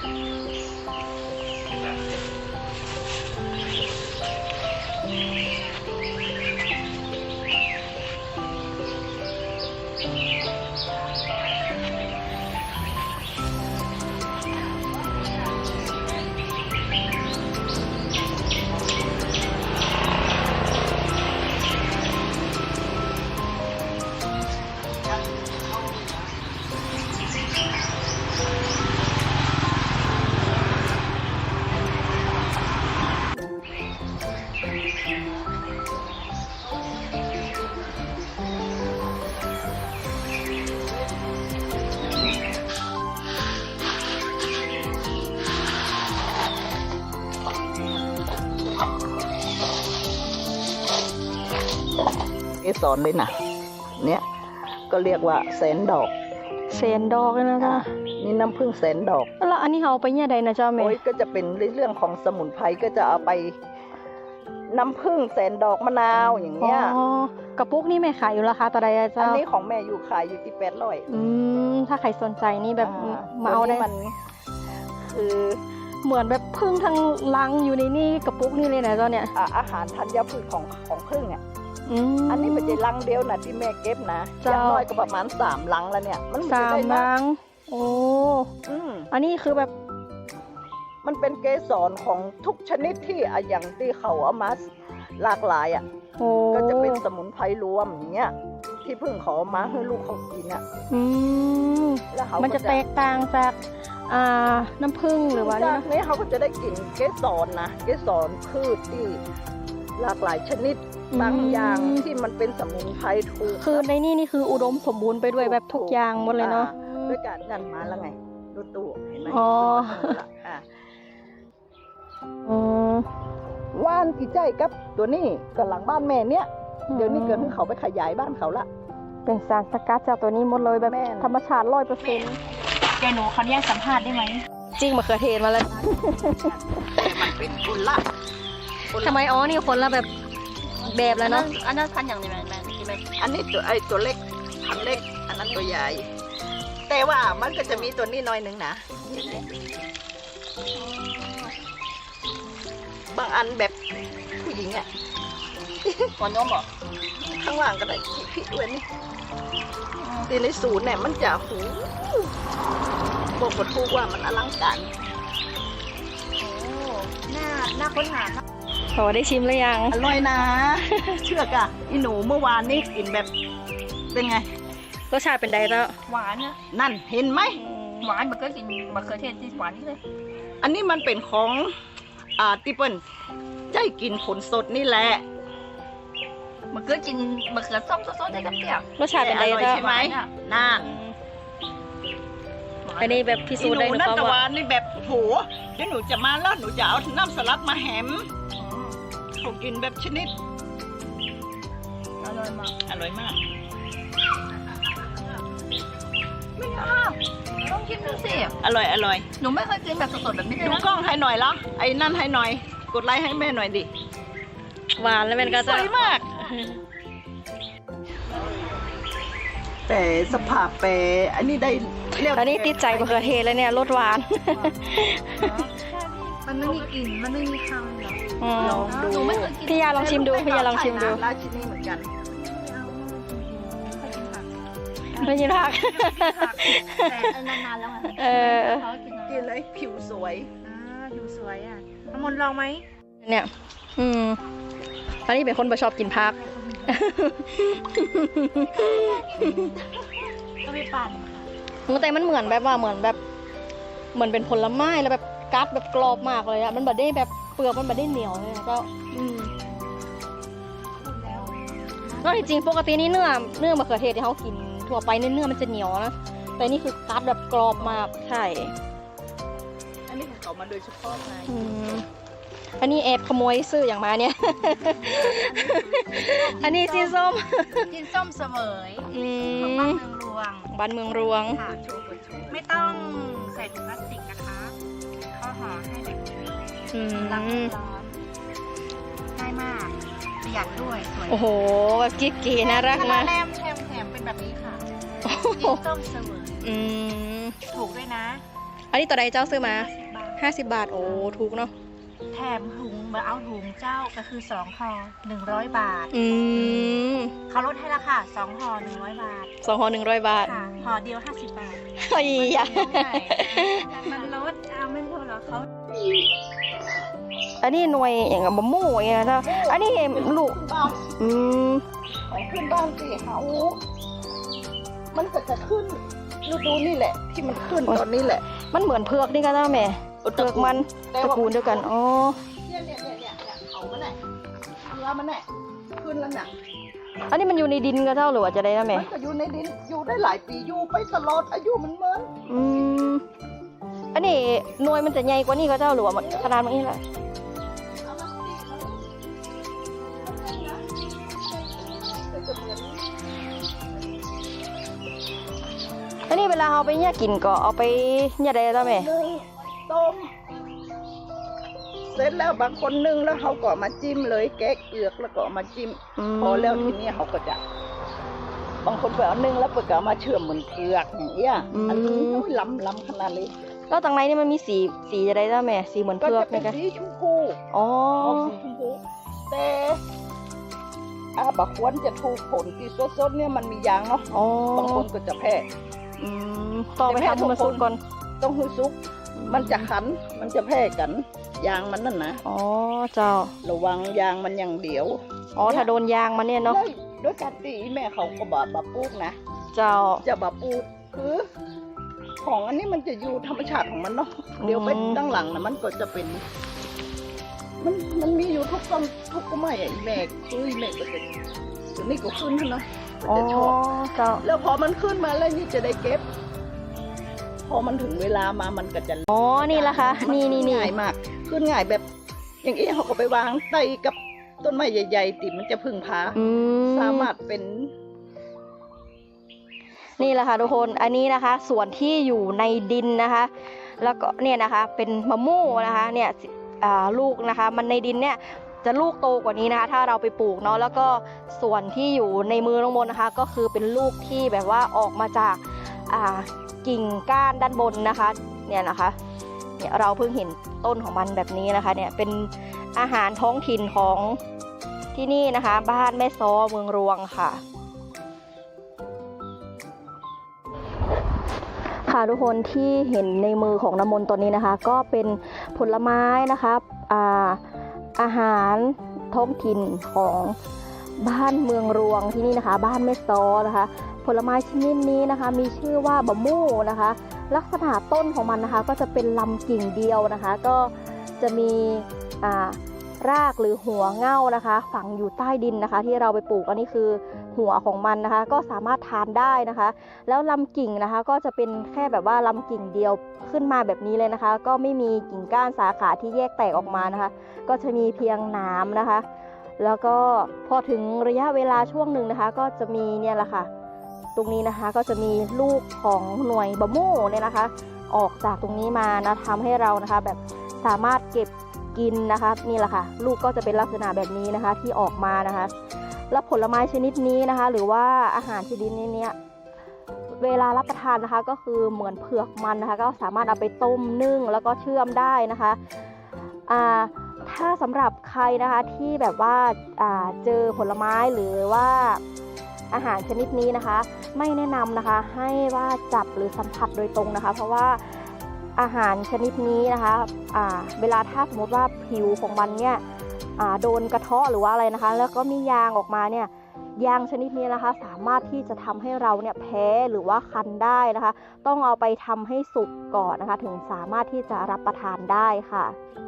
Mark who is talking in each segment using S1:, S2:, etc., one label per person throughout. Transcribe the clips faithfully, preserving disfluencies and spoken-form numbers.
S1: เกสรเลยนะเนี่ยก็เรียกว่าแสนดอก
S2: แสนดอกเลยนะจ๊ะ
S1: นี่น้ำผึ้งแสนดอก
S2: แล้วอันนี้เขาเอาไปเนี่ยใดนะจ๊ะแม่
S1: โอ้ยก็จะเป็นเรื่องของสมุนไพรก็จะเอาไปน้ำผึ้งแสนดอกมะนาวอย่างเงี้ย
S2: อ๋อกระปุกนี่แม่ขายอยู่ราคาต่อใดอะจ๊ะ
S1: อันนี้ของแม่อยู่ขายอยู่ที่แปดร้อย
S2: อืมถ้าใครสนใจนี่แบบมาเอาได้
S1: มันคือ
S2: เหมือนแบบผึ้งทั้งลังอยู่ในนี่กระปุกนี่เลยนะจ๊ะเนี่ย
S1: อาหารธัญพืชของของผึ้งอ่ะอันนี้มันจะลังเดียวนะที่แม่เก็บนะอย่างน้อยก็ประมาณสามลังแล้วเนี่ยมัน
S2: สามลังโอ้อันนี้คือแบบ
S1: มันเป็นเกสรของทุกชนิดที่อย่างที่เขาเอามาหลากหลายอ่ะก็จะเป็นสมุนไพรรวมอย่างเงี้ยที่พึ่งเขาเอามาให้ลูกเขากินอ่ะ
S2: แล้วมันจะแตกต่างจากน้ำผึ้งหรือว่า
S1: จากนี้เขาก็จะได้กลิ่นเกสรนะเกสรพืชที่หลากหลายชนิดบางอย่างที่มันเป็นสมุนไพรถูก
S2: คือในนี่นี่คืออุดมสมบูรณ์ไปด้วยแบบทุกอย่างหมดเลยเนาะ
S1: ด้วยการนั่นมาแล้วไงดูตู้เห็นไหม
S2: อ๋อ
S1: ว่านกี่ใจกับตัวนี้กับหลังบ้านแม่เนี้ยเดี๋ยวนี้เกิดขึ้นเขาไปขยายบ้านเขาละ
S2: เป็นสารสกัดจากตัวนี้หมดเลยแบบธรรมชาติร้อยเปอร์เซ็นต์
S3: แกหนูเขาแยกสัมภาษณ์ได้ไหม
S2: จริงมะเขือเทศมาแล้ว
S1: มันเป็นคนละ
S2: ทำไมอ๋อนี่คนละแบบแบบแล้วเนาะ
S3: อันนั้นพันอย่างไรแม่ที่แม่
S1: อันนี้ตัวไอ้ตัวเล็กพันเล็กอันนั้นตัวใหญ่แต่ว่ามันก็จะมีตัวนี้น้อยหนึ่งนะบางอันแบบผู้หญิงอ่ะ
S3: หัวน้มเหรอ
S1: ข้างล่างก็ได้พี่ด้วยนี่ตีในศูนย์เนี่ยมันจะหูบอกกับทุกว่ามันอลังการ
S3: โอ้หน้าหน้าค้นหา
S2: พอได้ชิมหรือยัง
S1: อร่อยนะเชื่อกะอีหนูเมื่อวานนี้กินแบบเป็นไง
S2: รสชาติเป็นไงเจ้า
S3: หวานนะ
S1: นั่นเห็นไหม
S3: หวานมันก็กินมะเขือเทศที่หวานนี่เลย
S1: อันนี้มันเป็นของอ่าที่เปิ้ลใจกินผลสดนี่แหละ
S3: มันก็กินมะเขือส้มสดๆได้กับเปรี้ยว
S2: รสชาติเป็นไง
S1: เจ้าใช่ไหมนั่น
S2: อันนี้แบบพิสูจน์ได้หนู
S1: นั่นตะวันนี่แบบโหเดี๋ยวหนูจะมาแล้วหนูจะเอาน้ำสลัดมาแหมเขากินแบบชนิด
S3: อร่อยมาก
S1: อร่อยมาก
S3: ไม่อ้าวต้องกินดูสิ
S1: อร่อยอร่อย
S3: หนูไม่เคยกินแบบสดๆแบบนี้เลย
S1: ดูกล้องให้หน่อยละไอ้นั่นให้หน่อยกดไลค์ให้แม่หน่อยดิ
S2: หวานแล้วเป็นก็
S1: สวยมากแต่สภาพแปรอันนี้ได้
S2: เรียกอันนี้ติดใจมะเขือเทศแล้วเนี่ยรสหวาน
S3: มันไม่มีกลิ่นมันไม่มีคำเลย
S1: ลองดู
S2: พี่ยาลองชิมดูพี่ยาลองชิมดู
S1: ราชินีเหมือนกัน
S2: ไม่ยินผัก
S3: แต่นานๆแล้วไง
S2: เออ
S1: กินเลยผิวสวย
S3: อ่าผิวสวยอ่ะน้ำมนต์ลองไหม
S2: เนี่ยอืมอันนี้เป็นคนบ่ชอบกินผัก
S3: ก็ไม่ปั่น
S2: แต่มันเหมือนแบบว่าเหมือนแบบเหมือนเป็นผลไม้แล้วแบบกัดแบบกรอบมากเลยอะมันแบบได้แบบเปลือกมันแบบได้เหนียวเลยก็อืมก็จริงๆปกตินี่เนื้อเนื้อมะเขือเทศที่เขากินทั่วไปเนื้อมันจะเหนียวนะแต่นี่คือกัดแบบกรอบมากใช่
S1: อันนี้ของเขามาโดยเฉพาะไง
S2: อันนี้แอบขโมยซื้ออย่างมาเนี่ยอันนี้จีนส้ม
S3: จีนส้มเสมยของบ้านเมืองรวง
S2: บ้านเมืองรวง
S3: ค่ะไม่ต้องใส่ถุงพลาสติกนะคะเขาห่อให้แบบรักร้อนง่ายมากประหยัดด้วยสวย
S2: โอ้โหแบบกิ๊กกีน่ารักมาก
S3: แถมแถมเป็นแบบนี้ค่ะจีนส้มเสมยถูกด้วยนะ
S2: อันนี้ตัวใดเจ้าซื้อมา
S3: สิบบาท
S2: ห้าสิบบาทโอ้ถูกเนาะ
S3: แถมถุงมาเอาถุงเจ้าก็คือสองห่อหนึ่งร้อยบาท
S2: อืม
S3: เขาลดให้ราคาสองห่อหนึ่งร้อยบาท
S2: สองห่อหนึ่งร้อยบาท
S3: ค่ะห่อเดียวห้าสิบบาท
S2: เฮ้ยอะ
S3: มันลดเอาไม่พอหรอเขา
S2: อันนี้หน่วยอย่างกับบะหมู่อย่างเงี้ยนะอันนี้ลูก
S1: บ้าน
S2: อืม
S1: ของขึ้นบ้านสิเขามันก็จะขึ้นฤดูนี่แหละ ที่มันขึ้นตอนนี้แหละ
S2: มันเหมือนเผือกนี่กันนะแม่เผือกมันตระกูลเดียวกันอ๋อ
S1: เนี่ยเนี่ยเนี่ยเนี่ยเนี่ยเขามันแหละเนื้อมันแหละขึ้นแล้วน่ะ
S2: อันนี้มันอยู่ในดินกันเจ้าหรือว่าจะได้นะแม่
S1: มันก็อยู่ในดินอยู่ได้หลายปีอยู่ไปตลอดอายุมันเหมือน
S2: อืมอันนี้หน่วยมันจะใหญ่กว่านี้ก็เจ้าหรือว่าขนาดมันนี่แหละ
S1: เอามาสิมันจะเหมือน
S2: อันนี้เวลาเอาไปเนี่ยกินก็เอาไปเนี่ยได้แล้วแม่
S1: นึ่งต้มเสร็จแล้วบางคนนึ่งแล้วเขาก็มาจิ้มเลยแกะเอือกแล้วก็เอามาจิ้ม
S2: ม
S1: พอแล้วทีนี้เขาก็จะ บางคนไปเอานึ่งแล้วเปิดก็เอามาเชื่อมเหมือนเผือกอย่างเงี้ยอันนี้โอ้ยล้ำล้ำขนาดเลย
S2: แล้วตรงในนี่มันมีสีสีจะได้แล้วแม่สีเหมือน
S1: ก็
S2: เผือก
S1: จะเป็
S2: นี่
S1: น
S2: กัน
S1: สีชมพู
S2: อ๋อ
S1: ออกสีชมพูแต่อาบักควรจะถูกผลที่สดๆเนี่ยมันมียางเนาะ
S2: อ๋อบ
S1: างคนก็จะแพ้
S2: อืมต่อไปทำให้มันสุกก่อน
S1: ต้องให้สุกมันจะขันมันจะแพ้กันยางมันนั่นนะ
S2: อ๋อเจ้า
S1: ระวังยางมันอย่างเดียว
S2: อ๋อถ้าโดนยางมันเนี่ยเนาะ
S1: ด้วยด้วยการตีแม่เขาก็บาบาปลูกนะ
S2: เจ้า
S1: จะบาปลูกคือ ของอันนี้มันจะอยู่ธรรมชาติของมันเนาะเดี๋ยวไปตั้งหลังนะมันก็จะเป็น มันมันมีอยู่ทุกต้นทุกก็ไม่ไอ้แม่คือแม่ก็จะตัวนี้ก็ขึ้นนะ
S2: อ๋อ
S1: จะชอบ
S2: เจ้า
S1: แล้วพอมันขึ้นมาแล้วนี่จะได้เก็บ พอมันถึงเวลามามันก็จะ
S2: อ๋อนี่ละคะนี่นี่นี่
S1: ง่ายมาก ขึ้นง่ายแบบ อย่างนี้เขาก็ไปวางใต้กับต้นไม้ใหญ่ๆติมันจะพึ่งพา
S2: อืม
S1: สามารถเป็น
S2: นี่แหละค่ะทุกคน อันนี้นะคะ ส่วนที่อยู่ในดินนะคะ แล้วก็เนี่ยนะคะ เป็นมะม่วงนะคะ เนี่ยอ่าลูกนะคะ มันในดินเนี่ยจะลูกโตกว่านี้นะคะ ถ้าเราไปปลูกเนาะ แล้วก็ส่วนที่อยู่ในมือน้องมนต์นะคะ ก็คือเป็นลูกที่แบบว่าออกมาจากอ่ากิ่งก้านด้านบนนะคะ เนี่ยนะคะ เนี่ยเราเพิ่งเห็นต้นของมันแบบนี้นะคะ เนี่ยเป็นอาหารท้องถิ่นของที่นี่นะคะ บ้านแม่ซ้อเมืองรวงค่ะ ค่ะทุกคนที่เห็นในมือของน้ำมนต์ตอนนี้นะคะ ก็เป็นผลไม้นะคะอ่าอาหารท้องถิ่นของบ้านเมืองรวงที่นี่นะคะ บ้านแม่ซ้อนะคะ ผลไม้ชนิดนี้นะคะ มีชื่อว่าบะมู่นะคะ ลักษณะต้นของมันนะคะ ก็จะเป็นลำกิ่งเดียวนะคะ ก็จะมีอ่ารากหรือหัวเง่านะคะ ฝังอยู่ใต้ดินนะคะ ที่เราไปปลูกอันนี้คือหัวของมันนะคะ ก็สามารถทานได้นะคะ แล้วลำกิ่งนะคะ ก็จะเป็นแค่แบบว่าลำกิ่งเดียวขึ้นมาแบบนี้เลยนะคะ ก็ไม่มีกิ่งก้านสาขาที่แยกแตกออกมานะคะ ก็จะมีเพียงหนามนะคะ แล้วก็พอถึงระยะเวลาช่วงหนึ่งนะคะ ก็จะมีเนี่ยแหละค่ะ ตรงนี้นะคะก็จะมีลูกของหน่วยบะโม่เนี่ยนะคะ ออกจากตรงนี้มานะทำให้เรานะคะ แบบสามารถเก็บกินนะคะนี่แหละค่ะลูกก็จะเป็นลักษณะแบบนี้นะคะที่ออกมานะคะ แล้วผลไม้ชนิดนี้นะคะ หรือว่าอาหารชนิดนี้เนี่ยเวลารับประทานนะคะ ก็คือเหมือนเผือกมันนะคะ ก็สามารถเอาไปต้มนึ่งแล้วก็เชื่อมได้นะคะอ่าถ้าสำหรับใครนะคะที่แบบว่าอ่าเจอผลไม้หรือว่าอาหารชนิดนี้นะคะ ไม่แนะนำนะคะให้ว่าจับหรือสัมผัสโดยตรงนะคะ เพราะว่าอาหารชนิดนี้นะคะอ่าเวลาถ้าสมมติว่าผิวของมันเนี่ยอ่าโดนกระเทาะหรือว่าอะไรนะคะ แล้วก็มียางออกมาเนี่ยยางชนิดนี้นะคะ สามารถที่จะทำให้เราเนี่ยแพ้หรือว่าคันได้นะคะ ต้องเอาไปทำให้สุกก่อนนะคะ ถึงสามารถที่จะรับประทานได้ค่ะ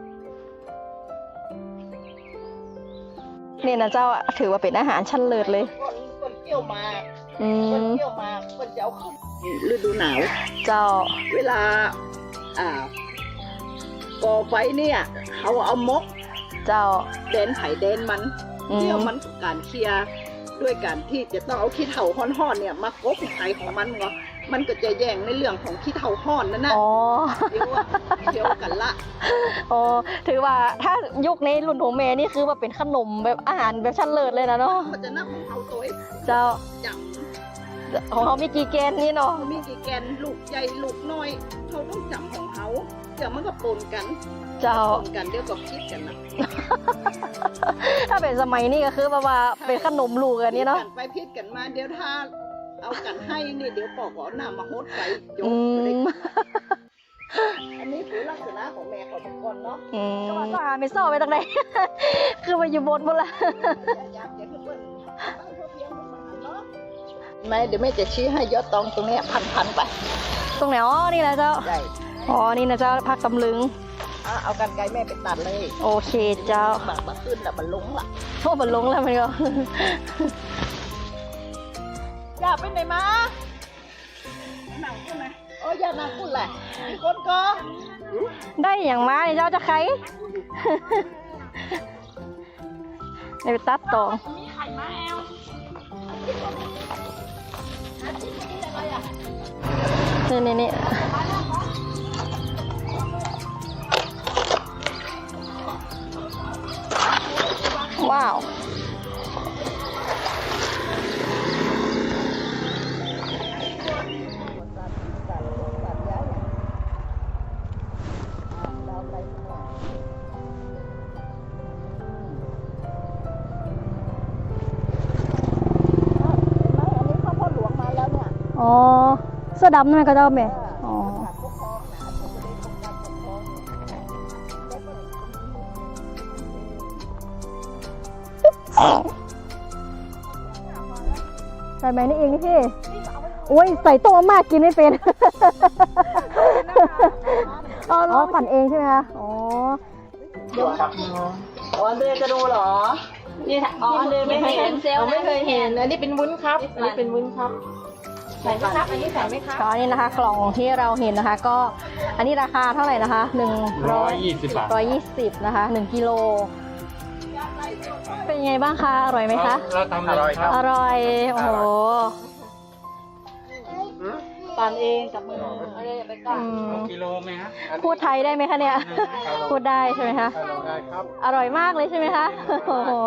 S2: เนี่ยนะเจ้าถือว่าเป็นอาหารชั้นเลิศเลย
S1: คนคนเกี่ยวหมาก
S2: อื
S1: คน
S2: ม
S1: เกี่ยวหมากคนจะเอาขึ้นฤดูหนาว
S2: เจ้า
S1: เวลา อ่าก่อไฟเนี่ยเขาเอามก
S2: เจ้า
S1: แดนไผ่แดนมัน
S2: อืม
S1: เกี่ยวมันกับการเคลียร์ด้วยการที่จะต้องเอาขี้เถ้าห้อนๆเนี่ยมากบไผ่ของมันเนาะมันก็จะแย่งในเรื่องของขี้เถ้าห้อนนั่นนะ
S2: อ๋อ
S1: เดี๋ยวอะเดี๋ยวกันละ
S2: อ๋อถือว่าถ้ายุคในรุ่นของเมย์นี่คือว่าเป็นขนมแบบอาหารแบบชั้นเลิศเลยนะเนาะ
S1: มันจะนับของเขาตัวเอง
S2: เจ้า
S1: จัง
S2: ของเขามีกี่แกนนี่เนาะ
S1: มีกี่แกนลูกใหญ่ลูกน้อยเขาต้องจำของเขาเดี๋ยวมันก็ปนกัน
S2: เจ้า
S1: ปนกันเดี๋ยวก็คิดกันนะ
S2: ถ้าเป็นสมัยนี้ก็คือแบบว่าเป็นขนมลูกอันนี้เนาะ
S1: พิดกัไปพิดกันมาเดี๋ยวถ้าเอากันให้นี่เดี๋ยวปอกเอาหน้ามาโฮดใส่ยก
S2: อื
S1: เลย
S2: ม
S1: อันนี้คือลักษณะของแม่เขาเป็นคนเนาะ
S2: อืมก็ว่าก็หาไม่ซ่อไปตรงไหน คือมาอยู่บนหมดละ
S1: อยากจะขึ้นเปิ้ลบ้านพ่อเพียงมันเนาะไม่เดี๋ยวแม่จะชี้ให้ยอดตองตรงเนี้ยพันๆไป
S2: ตรงไหนอ๋อนี่แหละเจ้า
S1: ได้
S2: อ๋อนี่นะเจ้าพักตำลึง
S1: อ่ะเอากันไกลแม่ไปตัดเลย
S2: โอเคเจ้า
S1: บากมาขึ้นแล้วมันลงละ
S2: โทษมันลงแล้วมันก็
S1: อย่าไปไหนมาหนังกูไหมโอ้ยอย่าหนังกูแหละมีคนก็
S2: ได้อย่างมาเนี่ยเจ้าจะใคร ไปตัดต่อ
S3: มีไข่มาแอล
S2: นี่นี่นี่ว้าว อ๋อ เสื้อดำนั่นก็เจ้าแม่อ๋อ ใส่ไหมนี่เองนี่พี่ โอ้ย ใส่โตมากกินไม่เป็น อ๋อปั่นเองใช่ไหมคะ อ๋อ
S1: อ๋อเดยจะดูเหรอ
S3: นี่อ๋อเดินไม่เคยเห็นเซลล์
S1: ไม่เคยเห็น อันนี้เป็นวุ้นครับ อันนี้เป็นวุ้นครับ
S3: ใส่ไหมครับอันนี้ใส่ไหมครับ
S2: ก็อันนี้นะคะ กล่องที่เราเห็นนะคะ ก็อันนี้ราคาเท่าไหร่นะคะหนึ่งร้อย
S4: ยี่สิบบาท
S2: ร้อยยี่สิบนะคะหนึ่งกิโล เป็นยังไงบ้างคะ อร่อยไหมคะ
S4: เราทำอร่อยครับ
S2: อร่อย โอ้โห
S1: ปั่นเองกับมือ
S2: อืม
S4: กิโลไหมฮะ
S2: พูดไทยได้ไหมคะเนี่ย พูดได้ใช่ไหมคะ
S4: ได้ครับ
S2: อร่อยมากเลยใช่ไหมคะ โอ้โห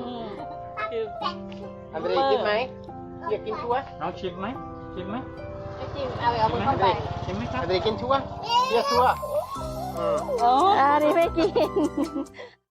S5: อันนี้กินไหมอยากกินชัวร์
S4: เอาชิมไหมชิมไหม
S3: จิ้มเอาเอามือเข้าไป
S4: ชิมไหมครับ
S5: อันนี้กินชัวร์เรียกชัวร์อืม
S2: อันนี้ไม่กิน